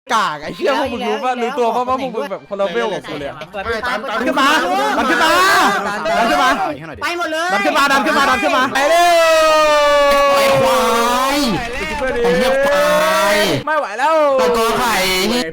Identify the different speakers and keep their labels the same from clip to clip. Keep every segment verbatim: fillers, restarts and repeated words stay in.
Speaker 1: กากไอ้เชี่ยพวกมึงรู้ป่ะรู้ตัวป่ะว่าพวกมึงแบบคนละเวลกับกูเลยดันขึ้นมาดันขึ้นมาดันขึ้นมา
Speaker 2: ไปหมดเลย
Speaker 1: ดันขึ้นมาดันขึ้นมาดันขึ้นมาไปเร็ว
Speaker 3: ไอ้ควายไอ้เหี้ยควาย
Speaker 1: ไม่ไหวแล้ว
Speaker 3: ตะกอไข่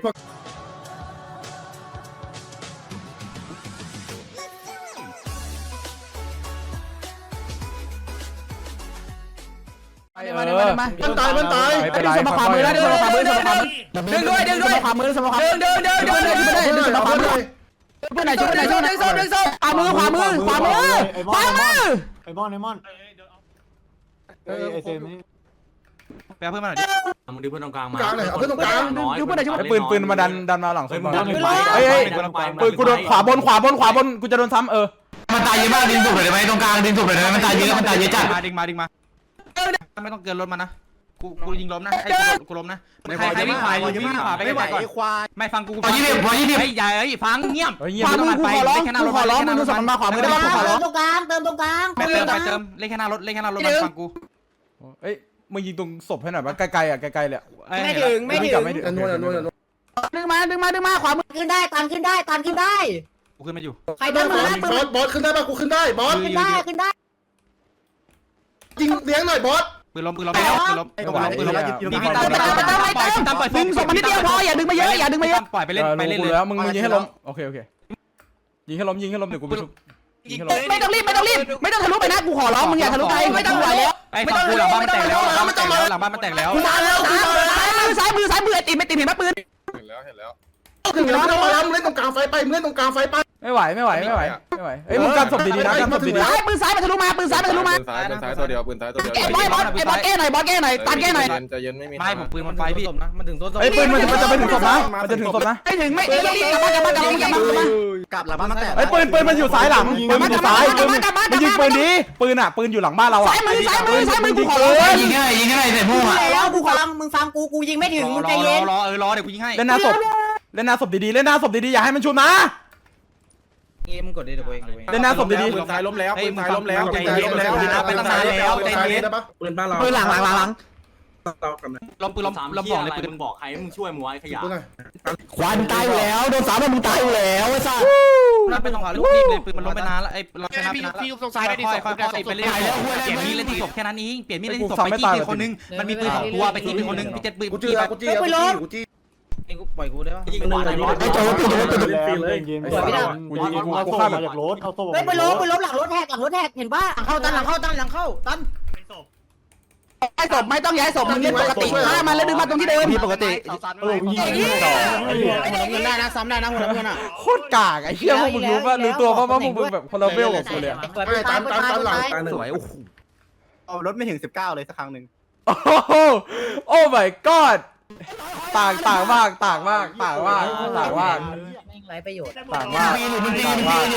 Speaker 1: มาเดินมามันตายมันตายไม่เป็นไรสมขวามือแล้วดึงสมขวามือสมขวามือดึงด้วยดึงด้วยสมขวามือสมขวามือดึงดึงดึงดึงดึงดึงสมขวามือเพื่อนไหนช่วยไหนช่วยดึงโซ่ดึงโซ่ขวามือขวามือขวามือขวามือ
Speaker 4: ไอ้บอลไอ้บอลเออไอ้เซมนี่
Speaker 5: แปลเพื่อนมาหน่อยดิมึงดึงเพื่อนตรงกลางมา
Speaker 1: เอาเพื่อนตรงกลางดึงเพื่อนไหนช่วยปืนปืนมาดันดันมาหลังเฮ้ยเฮ้ยปืนกูโดนขวาบนขวาบนขวาบนกูจะโดนซ้ำเออ
Speaker 3: มันตายเยอะมากดึงถูกเลยได้ไหมตรงกลางดึงถูกเลยได้ไหมมันตายเยอะมันตายเยอะจัด
Speaker 5: มาดึงมาดึงมาไม่ต้องเกินรถมานะกูกูยิงล้มนะไอ้กูล้มนะใครใครวิ่งขวาวิ่งขวาไปไม่ไหวควายไม่ฟังกู
Speaker 3: พอยี่สิบพอยี่สิบ
Speaker 5: ไอ้ใหญ่ไอ้ฟังเงียบ
Speaker 1: ขวามือกูขอร้องกูขอร้องมึงดูสมมาขวามือได้ป่ะกูขอร้อง
Speaker 2: ตรงกลางเติมตรงกลาง
Speaker 5: ไปเติมไปเติมเล่นแค่หน้ารถเล่นแค่หน้ารถมาฟังกู
Speaker 1: เอ้ยมึงยิงตรงศพให้หน่อยป่ะไกลๆอ่ะไกลๆเลย
Speaker 2: ไม่ถึงไม่ถึง
Speaker 1: นวลนวลดึงมาดึงมาดึงมาขวามือ
Speaker 2: ขึ้นได้ตันขึ้นได้ตันขึ้นได้
Speaker 5: กูขึ้นมาอยู่
Speaker 2: ใครเดินมา
Speaker 1: บอสบอสขึ้นได้ป่ะกูขึ้นได้บอส
Speaker 2: ขึ้นได้ขึ้นได้
Speaker 1: ยิงเลี้ยงหน่อยบอส
Speaker 5: ปืนล้มปืนล้มแล้วปืนล้มปืนล้มมีพี่ตั้มไปตั้มไปตั้มไปตั้มปล่อย
Speaker 1: ดึงศพมานิดเดียวพออย่าดึงมาเยอะอย่าดึงมาเยอะ
Speaker 5: ปล่อยไปเล่นไปเล่นเลย
Speaker 1: แล้วมึงมึงยิงให้ล้มโอเคโอเคยิงให้ล้มยิงให้ล้มเดี๋ยวกูไปชุบยิงให้ล้ม
Speaker 2: ไม่ต้องรีบไม่ต้องรีบไม่ต้องทะลุไปนะกูขอร้องมึงอย่าทะลุไปไม่ต้องไหวแล้ว
Speaker 5: ไอ้ฝั่งกูหลังบ้านมันแตกแล้วหลังบ้านมันแตกแล้วหลังบ้านมันแตกแล้ว
Speaker 2: ซ้ายแล้วซ้ายมือซ้ายมือไอ้ติมไอ้ติมเห็นไหมปืน
Speaker 1: เห็นแล้วเห็นแล้วถึงแล้วไม่ต้องมาแล้วมึงเล่นตรงกลางไฟไปมึงเล่นตรงกลางไฟไปไม่ไหวไม่ไหวไม่ไหวไม่ไหวเอ้ยมึงกันศพดีๆนะกันศพดีๆ
Speaker 2: ซ้ายปืนซ้ายมันทะลุมาปืนซ้ายมันทะลุมา
Speaker 6: ปืนซ้ายปืนซ้ายตัวเดียวปืนซ้ายตัวเดียว
Speaker 2: ไอ้บอสบอสไอ้บอสแก้หน่อยบอสแก้หน่อยตันแก้หน่อย
Speaker 6: ใจเย็นไม่มี
Speaker 5: ไม่ผมปืนมันไฟพี่
Speaker 4: นะมันถึงต้น
Speaker 1: ไอ้ปืนมันมันจะไปถึงศพนะมันจะถึงศพนะ
Speaker 2: ไม่ถึงไม่ไม่รีบกลับมากลับมากลับมากลับม
Speaker 4: กลับหลังบ้านมาแตก
Speaker 1: ไอ้ปืนปืนมันอยู่ซ้ายหลังปืนมันอยู่ซ้ายปืนมันยิงปืนดีปืนอ่ะปืนอยู่หลังบ้านเราอ่ะ
Speaker 2: ซ้ายมือซ้ายมือซ้ายมือกูขอ
Speaker 3: ยิงง่ายยิงง่ายใส่พวกอ่ะ
Speaker 2: แล้วกูขอมึงฟังกูกูยิงไม่ถึงมึงใจเย็น
Speaker 5: รอเออรอเดี๋ยวกูยิงให้
Speaker 1: เล่นหน้าศพเล่นหน้าศพดีๆเล่นหน้าศพดีๆอย่าให้มันชุบนะ
Speaker 4: เกมมึงกดได้เดี๋ยวเอง
Speaker 1: เล่นหน้าศพดีๆ
Speaker 6: ปืนซ้ายล้มแล้วปืนซ้ายล้มแล้ว
Speaker 5: ใจเย็นแล้วไปตั้งนานแล้วใจเย็น
Speaker 4: ปืนบ้านเรา
Speaker 1: ปืนหลังหลังหลัง
Speaker 5: ล้มปืนล้มล้มบอกเลยปืนบอกใครมึงช่วยมึงไว้ขยะ
Speaker 3: ควายมึงตายอยู่แล้วโดนสามมึงตายอยู่แล้วไอ้สัส
Speaker 5: นั่นเป็นสองขาลูกรีบเลยปืนมันล้มไปนานแล้วไอ้เราชนะไปนานแล้วค่อยค่อยค่อยไปเล่นเปลี่ยนมีดเล่นที่ศพแค่นั้นเองเปลี่ยนมีดเล่นที่ศพไปที่คนนึงมันมีปืนสองตัวไปที่ปืนคนนึงพี่เจ็ดปืน
Speaker 1: กูจี้กูจี้กูจี้กูจี้
Speaker 4: ไอ้กูปล่อยกูได้ป่ะ
Speaker 5: ยิงหัวไหนบอส
Speaker 3: ไอ้โจ้ปิดเลยปิดเลย
Speaker 4: เลยยิงกูยิงกูกูฆ่าแบบรถเข้าโซ่
Speaker 2: ไปล้มไปล้มหลังรถแทกหลังรถแทกเห็นป่ะหลังเข้าตันหลังเข้าตันหลังเข้าตันย้ายศพไม่ต้องย้ายศพมึงเล่นปกติฆ่ามันแล้วดึงมาตรงที่เดิม
Speaker 1: ปกติ
Speaker 4: เออยิงยิงต่อหัวน้ำเงินได้นะซ้ำได้นะหัวน้ำเงินอ่ะ
Speaker 1: โคตรกากไอ้เชี่ยพวกมึงรู้ป่ะรู้ตัวป่ะว่าพวกมึงแบบคนละเวลกับกูเลย
Speaker 2: ไม่ตามตามตามหลัง
Speaker 1: สวยโอ้โห
Speaker 4: เอารถไม่ถึงสิบเก้าเลยสักครั้งหนึ่ง
Speaker 1: โอ้โหโอ้ my god ต่างต่างมากต่างมากต่างมากต่างมาก
Speaker 2: ไม่ไรประโยชน์
Speaker 1: ต่างมากต่างมาก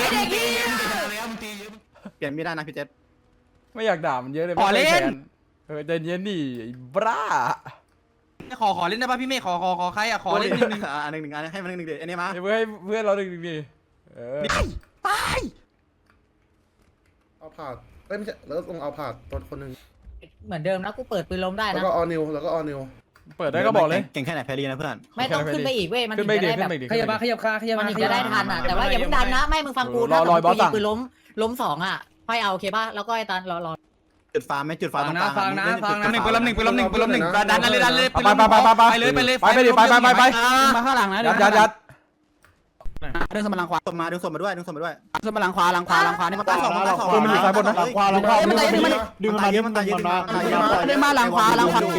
Speaker 4: เปลี่ยนไม่ได้นะพี่เจษ
Speaker 1: ไม่อยากด่ามันเยอะเลยขอเล่นเออใจเย็นดิบ้า
Speaker 5: ขอขอเล่นได้ป่ะพี่เมฆขอขอขอใครอ่ะขอเล่นนิดนึง
Speaker 4: อ่าหนึ่งหนึ่งอันให้มันหนึ่งหนึ่งเดี๋ยวอันนี้มา
Speaker 1: เพื่อให้เพื่อนเราหนึ่งหนึ่งดิเออ
Speaker 5: ตาย
Speaker 1: เอาผ่าไม่ใช่แล้วต้องเอาผ่าตัวคนหนึ่ง
Speaker 2: เหมือนเดิมนะกูเปิดปืนล้มได้นะ
Speaker 1: แล้วก็ออนิวแล้วก็ออนิวเปิดได้ก็บอกเลย
Speaker 4: เก่งแค่ไหนแพรีนะเพื่อน
Speaker 2: ไม่ต้องขึ้นไปอีกเว้ยมันถึงจะได้แบบ
Speaker 4: ขยับมาขยับขาขยับ
Speaker 2: มั
Speaker 4: น
Speaker 2: จะได้ทันอ่ะแต่ว่าอย่าเพิ่งดันนะไม่มึงฟังกูถ้ากูยิงปืนล้มล้มสองอ่ะค่อยเอาโอเคป่ะแล้วก็ไอ้ตันรอรอ
Speaker 4: จุดฟ้าไม่จุดฟ้าตรงกลาง
Speaker 5: ฟังนะฟังนะหนึ่งปืนล้มหนึ่งปืนล้มหนึ่งปืนล้มหนึ่งดันเลยดันเลย
Speaker 1: ไปไปไปไปไป
Speaker 5: เลยไปเลย
Speaker 1: ไปไปดิไปไปไปไป
Speaker 2: มาข้างหลังนะ
Speaker 1: ยัดยัดยัด
Speaker 2: ดึงสมบัติขวา
Speaker 4: ส่งมาดึงส่งมาด้วยดึงส่งมาด้วย
Speaker 2: สมบัติขวาหลังขวาหลังขวานี่มันตายสองมันตายสอง
Speaker 1: มันอยู่ซ้ายบนนะ
Speaker 4: ขวาหลังขวาดึง
Speaker 2: มัน
Speaker 4: ดึงมาเยอะมันตายเยอะ
Speaker 2: ดึงมาหลังขวาหลังขวา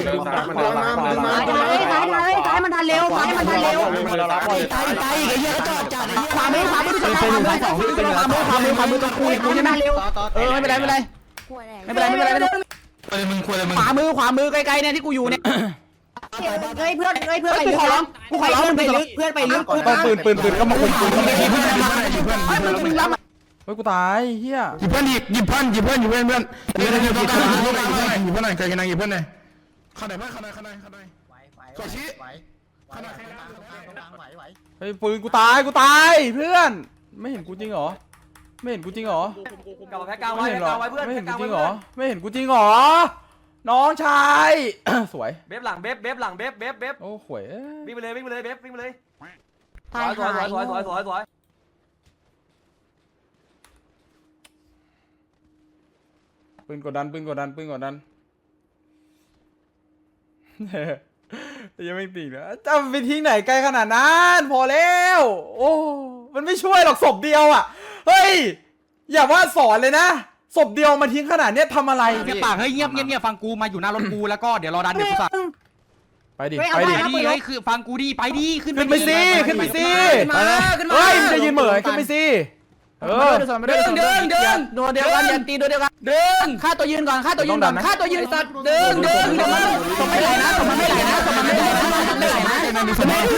Speaker 2: ซ้ายซ้ายซ้ายมันทันเร็วซ้ายมันทันเร็วตายตายไอ้เหี้ยจอดจัดขวามือขวามือที่เป็นซ้ายสองที่เป็นขวามือขวามือขวามือตรงกูกูใช่ไหมเร็วเออไม่เป็นไรไม่เป็นไรไม่เป็นไรไม่เป็นไรไม่เป็นไร
Speaker 3: เออมึงควรเลยมึง
Speaker 2: ขวามือขวามือไกลๆเนี่ยที่กูอยู่เนี่ยเฮ้ยเพื่อนเฮ้ยเพื่อนไปลึกขอร้องกูขอร้องมึงไปลึกเพื่อนไปลึก
Speaker 1: ต้องปืนปืนปืนก็มาคนปืนก็ไม่ยิงเพื่อน
Speaker 2: ยิงเพื่อนเฮ้ยมึงมึงรับ
Speaker 1: เฮ้ยกูตายเฮีย
Speaker 3: หยิบเพื่อนหยิบหยิบเพื่อนหยิบเพื่อนหยิบเพื่อนเพื่อนเพื่อนหยิบเพื่อนหยิบเพื่อนหยิบเพื่อนหน่อยใครกันนะหยิบเพื่อนหน่อยข้าไหนเพื่อนข้าไหนข้าไหนข้าไหนขอชี้ข้าไหน
Speaker 1: เฮ้ยปืนกูตายกูตายเพื่อนไม่เห็นกูจริงเหรอไม่เห็นกูจริงเหรอ
Speaker 5: กลับมาแพ้กลางไว้กลางไว้เพื่อน
Speaker 1: ไม่เห็นกูจริงเหรอไม่เห็นกูจริงเหรอน้องชาย สวย
Speaker 7: เบ๊บหลังเบ๊บเบ๊บหลังเบ๊บเบ๊บเบ๊บ
Speaker 1: โอ้หวย
Speaker 7: วิ่งไปเลยวิ่งไปเลยเบ๊บวิ่งไปเลยส
Speaker 2: ตาย
Speaker 7: วยสวย
Speaker 2: หาย
Speaker 7: สวยสวยสวยสวย
Speaker 1: ปืนกดดันปืนกดดันปืนกดดัน ยังไม่ติดนะจะไปทิ้งไหนไกลขนาดนั้นพอแล้วโอ้มันไม่ช่วยหรอกศพเดียวอ่ะเฮ้ยอย่าว่าสอนเลยนะศพเดียวมาทิ้งขนาดเนี้ยทำอะไร
Speaker 5: เงียบปากเฮ้ยเงียบเงียบเงียบฟังกูมาอยู่หน้ารถกูแล้วก็เดี๋ยวรอดันเดี๋ยวกูสั่ง
Speaker 1: ไปดิ
Speaker 5: ไป
Speaker 1: ไปดิ
Speaker 5: ดิเฮ้ยคือฟังกูดิไปดิขึ้น
Speaker 1: ขึ้นไปสิขึ้นไปสิ
Speaker 2: ขึ้นมาขึ้นมา
Speaker 1: เฮ้ยมันจะยืนเหม่อขึ้นไปสิเออ
Speaker 2: เดินเดินเดินโดนเดียวกันยันตีโดนเดียวกันเดินฆ่าตัวยืนก่อนฆ่าตัวยืนก่อนฆ่าตัวยืนสัตว์เดินเดินเดินสมไม่ไหลนะสมมันไม่ไหลนะสมมันไม่ไหลนะสมไม่ไหลนะเดิน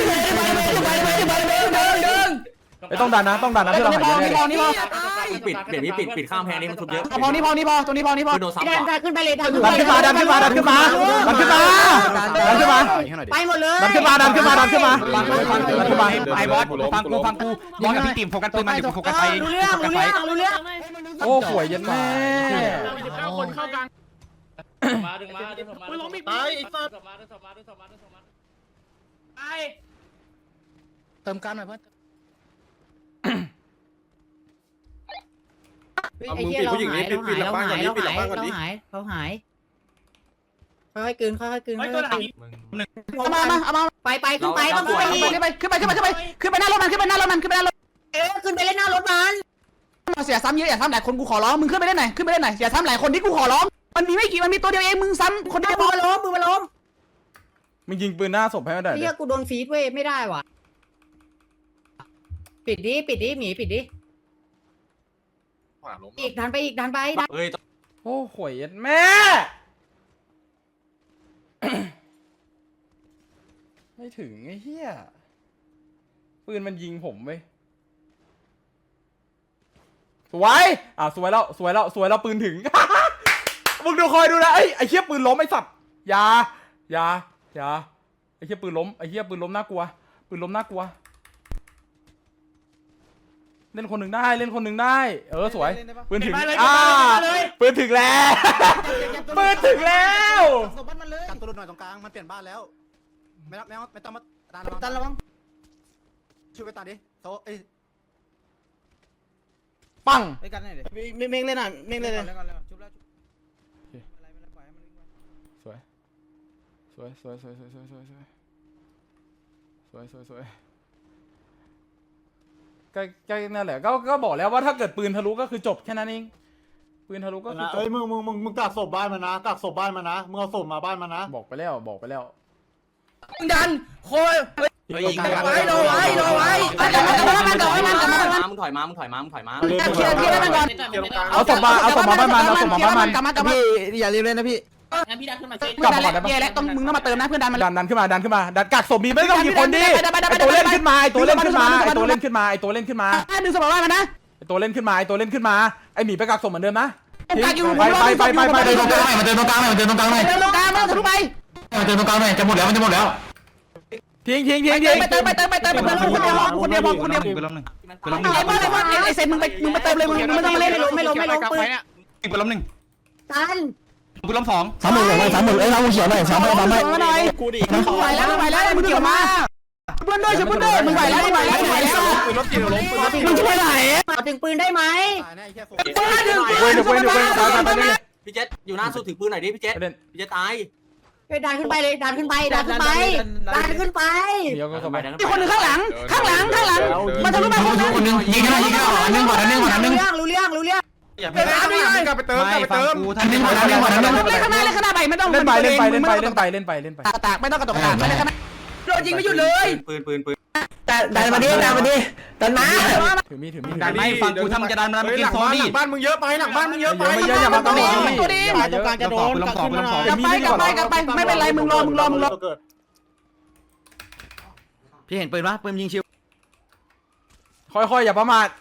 Speaker 2: เดิน
Speaker 1: ไม่ต้องดันนะต้องดันนะเพื่อเราหาย
Speaker 2: พอ
Speaker 1: แน่
Speaker 2: นี่พอนี่พอ
Speaker 7: ปิดเดี๋ยวนี้ปิดปิดข้ามแพงนี่มันทุบเยอะ
Speaker 2: พอนี่พอนี่พอตรงนี้พอนี่พอ
Speaker 7: โดนซ้ำ
Speaker 2: ดันดันขึ้นไปเลยดัน
Speaker 1: ดันขึ้นมาดันขึ้นมาดันขึ้นมาดันขึ้นมาดันขึ้นมา
Speaker 2: ไปหมดเลย
Speaker 1: ดันขึ้นมาดันขึ้นมาดันขึ้นมา
Speaker 5: ฟังกูฟังกูดันขึ้นมาไอ้บอสฟังกูฟังกูบอสกับพี่ติ๋มโฟกัสปืนมันเดี๋ยวกูโฟกัสไป
Speaker 2: รู้เรื่องรู้เรื่องรู้เรื่อง
Speaker 1: โอ้หวยยันแม่
Speaker 4: คนเข้ากลาง
Speaker 8: มาดึงมาดึงมาดึงมา
Speaker 4: ตายไอ้สัตว์
Speaker 8: ดึงมาดึงมาดึงมาดึงมา
Speaker 3: เติมการหน่อยเพื่อน
Speaker 6: เอามึงปิดผู้หญิงนี้ปิดปิดหลังบ้านก่อนนี้ปิดหลังบ้านก่อนนี้
Speaker 2: เขาหายค่อยๆกลืนค่อยๆกลืน
Speaker 8: ไอ้ตัวหลัง
Speaker 2: เอามามาเอามาไปไปขึ้นไปต้องขึ้นไปขึ้นไปขึ้นไปขึ้นไปขึ้นไปขึ้นไปหน้ารถมันขึ้นไปหน้ารถมันขึ้นไปหน้ารถเออขึ้นไปเล่นหน้ารถมันเสียซ้ำเยอะอย่าซ้ำหลายคนกูขอร้องมึงขึ้นไปเล่นไหนขึ้นไปเล่นไหนอย่าซ้ำหลายคนที่กูขอร้องมันมีไม่กี่มันมีตัวเดียวเองมึงซ้ำคนเดียวมึงมาล้มมึงมาล้ม
Speaker 1: มึงยิงปืนหน้าศพให้มันได้
Speaker 2: เรียกกูโดนฟีดเว้ยไม่ได้ว่ะปิดดิปิดดิหมีปิดดิ
Speaker 6: ขวาล้ม
Speaker 2: อีกดันไปอีกดันไปดัน
Speaker 7: เฮ้ย
Speaker 1: โอ้หวยยันแม่ ไม่ถึงไอ้เหี้ยปืนมันยิงผมเว้ยสวยอ่ะสวยแล้วสวยแล้วสวยแล้วปืนถึง มึงดูคอยดูนะไอ้ไอ้เหี้ยปืนล้มไอ้สัตว์อย่าอย่าอย่าไอ้เหี้ยปืนล้มไอ้เหี้ยปืนล้มน่ากลัวปืนล้มน่ากลัวเล่นคนหนึ่งได้เล่นคนหนึ่งได้เออสวยปืนถึงอ่าปืนถึงแล้วปืนถึงแล้ว
Speaker 4: กันตัวหน่อยตรงกลางมันเปลี่ยนบ้านแล้วไม่ต้องไม่ต้องไม่ต้องมาดัน
Speaker 2: ดันระวัง
Speaker 4: ช่วยไปตัดดิโตเอ้ย
Speaker 1: ปัง
Speaker 4: ไปกันหน่อยดิ
Speaker 5: เม่งเล่นอ่ะเม่งเล่นเลย
Speaker 1: สวยสวยสวยสวยสวยสวยสวยสวยสวยสวยสวยก็ก็นั่นแหละก็ก็บอกแล้วว่าถ้าเกิดปืนทะลุก็คือจบแค่นั้นเองปืนทะลุก็คือจบ
Speaker 4: เอ้ยมึงมึงมึงมึงกักศพบ้านมานะกักศพบ้านมานะมึงเอาศพมาบ้านมานะ
Speaker 1: บอกไปแล้วบอกไปแล้ว
Speaker 2: ดันโคย
Speaker 7: เฮ้ยยิง
Speaker 2: ไว้รอไว้รอไว้กลับมากลับมามันกลับมามันกลับมามัน
Speaker 7: มึงถอยมามึงถอยมามึงถอยมา
Speaker 2: เคลียร์เคลียร์มันก่อน
Speaker 1: เอาศพมาเอาศพมาบ้านมันเอาศพมาบ้านมัน
Speaker 2: กลับมากลับมา
Speaker 5: อย่าลืมเลยนะพี่
Speaker 8: งั้นพี่ดันขึ้นมาช่วย
Speaker 2: เพื่อนดันแล้วเย่แล้วต้องมึงต้องมาเติมนะเพื่อนดันมา
Speaker 1: ดันดันขึ้นมาดันขึ้นมาดันกักศพมีไม่ต้องกี่คนดิไอตัวเล่นขึ้นมาไอตัวเล่นขึ้นมาไอตัวเล่นขึ้นมาไอตัวเล่นขึ้นมา
Speaker 2: ดึงสมองมันนะ
Speaker 1: ไอตัวเล่นขึ้นมาไอตัวเล่นขึ้นมาไอหมีไปกักศพเหมือนเดิมนะ
Speaker 2: กักอยู่
Speaker 1: ไปไปไปไปไป
Speaker 3: เดินตรงกลางหน่อยมาเดินตรงกลางหน่อยมาเดินตรงกลางหน่อย
Speaker 2: เดินลงกลางมาทะลุไป
Speaker 3: มาเดินตรงกลางหน่อยจะหมดแล้วมันจะหมดแล้ว
Speaker 1: ทิ้งทิ้งทิ้งทิ้ง
Speaker 2: ไปเติมไปเติมไปเติมไปเติมคนเดียวคนเดียวคนเดียว
Speaker 5: ปืนล้มหนึ่ง
Speaker 2: ไอ้บอลไอ้บอลไอ้เซนมึงไปมึงไปเติมเลยมึงไม่ต้องมาเล่นไม่ลงไม่ลงไม่ลงปืน
Speaker 5: ปืนล้มหนึ่ง
Speaker 2: กัน
Speaker 5: ปืนล้มสอง
Speaker 3: สามหมื่นหน่อยสามหมื่นเอ้ยเราเขียวหน่อยสามหมื่นสามหมื่น
Speaker 2: หน่อยมึงไหวแล้วมึงไหวแล้วมึงเกี่ยวมาเพื่อนด้วยช่วยเพื่อนด้วยมึงไหวแล้วมึงไหวแล้วมึงไหวแล้ว
Speaker 6: ปืนล้มจริงล้มปืนล้มจริง
Speaker 2: มึงช่วยไหนถึงปืนได้ไหม
Speaker 4: ตายแน่ไอ้แค่ศพ
Speaker 2: ปืนถึงปืน
Speaker 1: เดี๋ยวเว้นเดี๋ยวเว้นตายตายตายเลย
Speaker 7: พี่เจษอยู่หน้าสุดถือปืนหน่อยดิพี่เจษ
Speaker 1: ประเด็น
Speaker 7: พี่เจษตาย
Speaker 2: ดันขึ้นไปเลยดันขึ้นไปดันขึ้นไปดันขึ้นไป
Speaker 1: เดี๋ยวก็สบาย
Speaker 2: มีคนหนึ่งข้างหลังข้างหลังข้างหลังมันทะลุมาคนนึง
Speaker 3: คนนึงยิงกันยิงกันอันนึงก่อนอันนึงก่อนอันนึง
Speaker 2: รู้เรื่องรู้เรื่องรู้เรื่อง
Speaker 6: ไปเติมกลับไปเติมกลับไป
Speaker 5: ฟัง
Speaker 6: เติม
Speaker 5: กู
Speaker 3: อั
Speaker 5: ท่าน น
Speaker 3: นึ
Speaker 5: นี้
Speaker 3: ง
Speaker 5: หม
Speaker 3: ก่อ
Speaker 5: ด
Speaker 3: น
Speaker 5: แล้
Speaker 3: อันนึงก่อนอันนึง
Speaker 2: เล่นข้างหน้าเล่นข้างหน้าไปไม่ต้อง
Speaker 1: เล่นไปเล่นไปเล่นไปเล่นไปเล่นไปเล่นไป
Speaker 2: ตาตากไม่ต้องกระตกตากไม่ได้ข้างหน้าโดนยิงไม่หยุดเลย
Speaker 7: ปืนปืนปืน
Speaker 2: ดันมาดิดันมาดิดันมา
Speaker 1: ถือมีดถือมีด
Speaker 5: ดันไม่ฟังกูทำจะดันมัน
Speaker 6: เฮ้ย
Speaker 5: กิ
Speaker 6: ห
Speaker 5: น
Speaker 6: ลัง
Speaker 5: ซอ
Speaker 6: บ้าน
Speaker 5: นี่
Speaker 6: หลังบ้านมึงเยอะไปหลังบ้านมึงเยอะไป
Speaker 1: ไม่เยอะอย่ามาตรงนี้
Speaker 2: ตัวดี
Speaker 5: ตรงกลางจะโดนกลับขึ้นมาหน่อย
Speaker 2: กลับไปกลับไปกลับไปไม่เป็นไรมึงรอมึงรอมึงรอ
Speaker 4: เกิด
Speaker 5: พี่เห็นปืนปะปืนยิงชิว
Speaker 1: ค่อยๆอย่าประมาท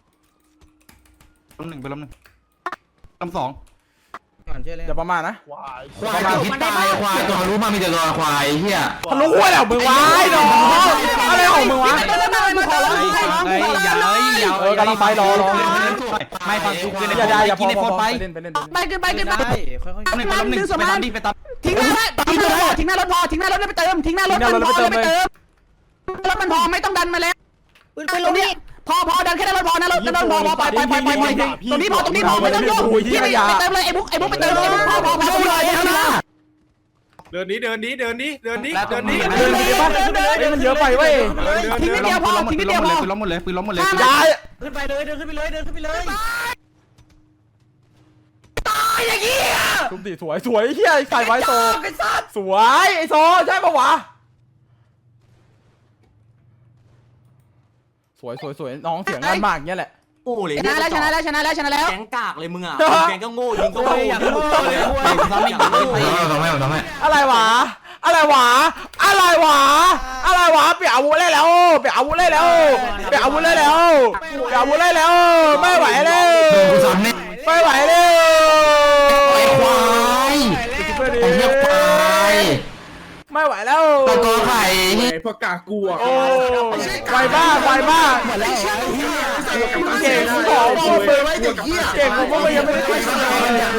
Speaker 5: ล้มหนึ่งปืนล้มหนึ่งล้มสอง
Speaker 1: อย่าประมาทนะ
Speaker 4: ควาย
Speaker 3: ควายพิษตายควายตัวรู้มามีแต่ตัวควายเฮีย
Speaker 1: ทะลุหัวแล้วมึงวะไอ้น้องอะไรของมึงวะ
Speaker 2: ไม่ได้ไม่ได้มึงขอร้องมึงขอร้อง
Speaker 5: เฮ้ยอย่าเฮ้ยอย่า
Speaker 1: เออกำลังไปรอรอ
Speaker 3: เล่นศพ
Speaker 5: ไม่ฟังกูคือใน
Speaker 1: อย่าอย่า
Speaker 5: กินในโฟนไป
Speaker 1: เล่นไปเล่น
Speaker 2: ไปขึ้นไปขึ้นไป
Speaker 5: หนึ่งไปล้มหนึ่งไปตามดิไปตาม
Speaker 2: ทิ้งหน้าทิ้งหน้ารถทิ้งหน้ารถพอทิ้งหน้ารถไปเติมทิ้งหน้ารถมันพอแล้วไปเติมรถมันพอไม่ต้องดันมาแล้วตรงนี้พอพอดันแค่นั้นรถพอนะรถนั้นพอพอไปไปไปไปไปตรงนี้พอตรงนี้พอไม่ต้องยุ่งที่ไปเติมเลยไอ้บุ๊กไอ้บุ๊กไปเติมไอ้บุ๊กพอพอพอเลยนะ
Speaker 6: เดินนี้เดินนี้เดินนี้เดินนี้เดินนี้
Speaker 1: เดินไปดิป่ะเฮ้ยมันเยอะไปเว้ย
Speaker 2: ทิ้งนิดเดียวพอทิ้งนิดเดียวพอ
Speaker 5: ปืนล้มหมดเลยปืนล้มหมดเลย
Speaker 1: ย้าย
Speaker 7: ขึ้นไปเลยเดินขึ้นไปเลยเดินขึ้นไปเลย
Speaker 2: ตายอย่างเงี้ย
Speaker 1: ทุบดิสวยสวยเฮียใส่ไว้โซสวยไอโซใช่ปะวะสวยสวยสวยน้องเสียงงานมากเงี้ยแหละ
Speaker 7: โอ้เลย
Speaker 2: ชนะแล้วชนะแล้วชนะแล้วชนะแล้ว
Speaker 7: แก๊งกากเลยมึงอ่ะแก๊งก็โง่ยิงก็โง่
Speaker 5: อยากรู้เลยซ้อมไม่ยิงเลย
Speaker 3: ต้องให้ต้องให้
Speaker 1: อะไรวะอะไรวะอะไรวะอะไรวะเปลี่ยนอาวุธได้แล้วเปลี่ยนอาวุธได้แล้วเปลี่ยนอาวุธได้แล้วเปลี่ยนอาวุธได้แล้วไม่ไหวแล้ว
Speaker 3: กูซ้ำเนี่ย
Speaker 1: ไม่ไหวแล้ว
Speaker 3: ไอ้ควาย ไอ้เหี้ยควาย
Speaker 1: ไม่ไหวแล้ว
Speaker 3: ตะกอไข่
Speaker 6: ไอ้พวกกากลัว
Speaker 1: โอ้ไวมากไวมากเก่งกูบอกพวกมึงเก่งกูพวกมึงยังไม่ได้คุยกันเลย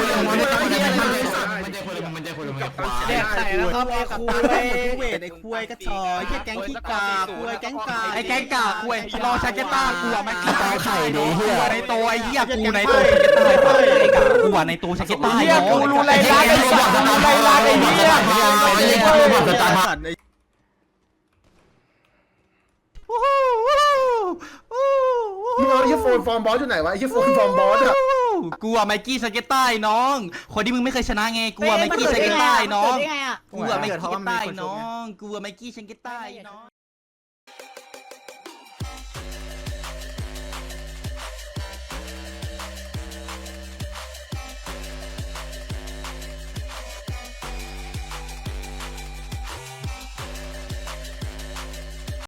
Speaker 3: มันจะคุยมันจะคุย
Speaker 5: แดกใส่แล้วครับไอ้คุยเวทไอ้คุยกระชอยไอ้แก๊งขี้กาคุยแก๊งกาไอ้แก๊งกาคุยรอชาเกต้ากูอ่ะมันขี้กาไข่ดิเฮียในโตไอ้เหี้ยกูในโตชาเกต้าไอ้กากูอ่ะในโตชาเกต้า
Speaker 1: เฮียกูรู้ไรร้านไอ้สัตว์รู้ไรร้านไอ้เฮีย
Speaker 6: มึงเอาไอ้โฟนฟอร์มบอสอยู่ไหนวะไอ้โฟนฟอร์มบอสอะ
Speaker 5: กูอ่ะไมกี้ชาเกต้าน้องคนที่มึงไม่เคยชนะไงกูอ่ะไมกี้ชาเกต้าน้องกูอ่ะไมกี้ชาเกต้าน้องกูอ่ะไมกี้ชาเกต้าน้อง